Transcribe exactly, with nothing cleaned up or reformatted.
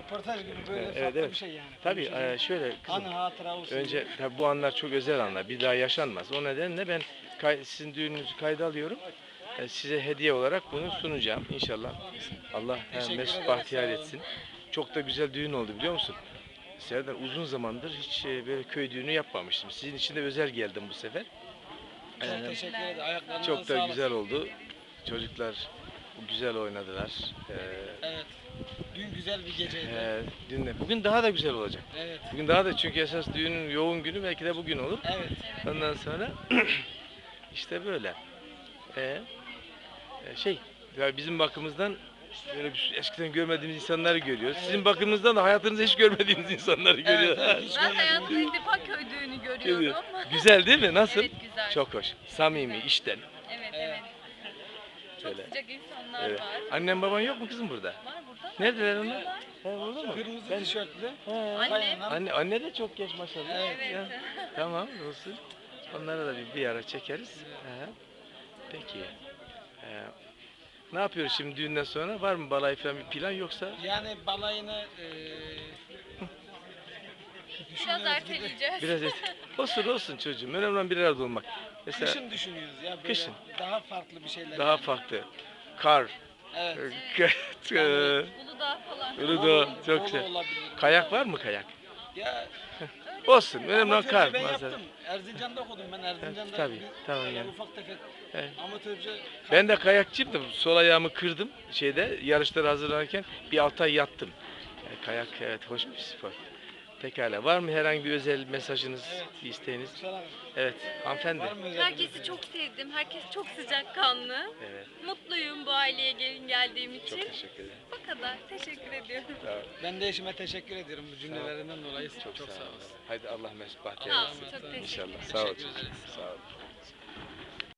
röportaj gibi böyle Evet, farklı evet. bir şey yani. Tabii Bir şey e, şöyle kızım. Anı hatıra olsun. Önce tabii bu anlar çok özel anlar. Bir daha yaşanmaz. O nedenle ben kay- sizin düğününüzü kayda alıyorum. E, size hediye olarak bunu sunacağım inşallah. Allah he, Teşekkür mesut ederim, bahtiyar sağ olun. etsin. Çok da güzel düğün oldu biliyor musun? Serdar uzun zamandır hiç e, böyle köy düğünü yapmamıştım. Sizin için de özel geldim bu sefer. Çok Ee, teşekkür ederim. Ayaklarınıza Çok da sağlık. güzel oldu. Çocuklar güzel oynadılar. Ee, Evet. Dün güzel bir geceydi. e, dinle. Bugün daha da güzel olacak. Evet. Bugün daha da çünkü esas düğünün yoğun günü belki de bugün olur. Evet. Ondan sonra işte böyle. Ee, e, şey ya bizim bakımızdan böyle bir- eskiden görmediğimiz insanları görüyoruz. Sizin bakımınızdan da hayatınızda hiç görmediğiniz insanları görüyoruz. evet, hiç Ben görmedim. hayatımda ilk defa köy düğünü Görüyor. görüyorum. Güzel değil mi? Nasıl? Evet, güzel. Çok hoş. Samimi, içten. Evet, Evet. evet. Çok Şöyle. sıcak insanlar Evet. var. Annem baban yok mu kızım burada? Var burada. Neredeler onlar? Diyorlar. He, burada mı? Kırmızı Ben- tişörtlü. He. Annem. Anne, anne de çok geç maşallah. Evet. Ya, tamam olsun. Onlara da bir, bir ara çekeriz. He. Peki. Ee, ne yapıyoruz şimdi düğünden sonra? Var mı balayı falan bir plan yoksa? Yani balayını eee Biraz düşünüyoruz gibi. erteleyeceğiz. Biraz et. Olsun olsun çocuğum. Önemli olan bir arada olmak. Mesela Kışın düşünüyoruz ya böyle Kışın. daha farklı bir şeyler. daha yani. farklı. Kar. Evet. Ee, Uludağ falan. Uludağ çok Bolu güzel. olabilir. Kayak var mı kayak? Ya Olsun. Önemli olan kar. amatörce ben manzara. yaptım. Erzincan'da okudum ben. Erzincan'da tabii, bir- tamam böyle yani. ufak tefek Evet. amatörce Ben de kayakçıyım da sol ayağımı kırdım şeyde yarışlara hazırlanırken bir altı ay yattım. Yani kayak evet hoş bir spor. Pekala. Var mı herhangi bir özel mesajınız, Evet. bir isteğiniz? Selam. Evet. Hanımefendi. Var mı özel bir Herkesi mesaj? çok sevdim. Herkes çok sıcakkanlı. Evet. Mutluyum bu aileye gelin geldiğim için. Çok teşekkür ederim. Bu kadar. Teşekkür ediyorum. Sağ ol. Ben de eşime teşekkür ediyorum bu cümlelerinden dolayı. Çok, çok sağ sağ ol. olasın. Haydi Allah mesut bahtiyar Sağ ol, etsin. çok teşekkür İnşallah. ederim. Sağ ol. Teşekkür ederiz. Sağ ol.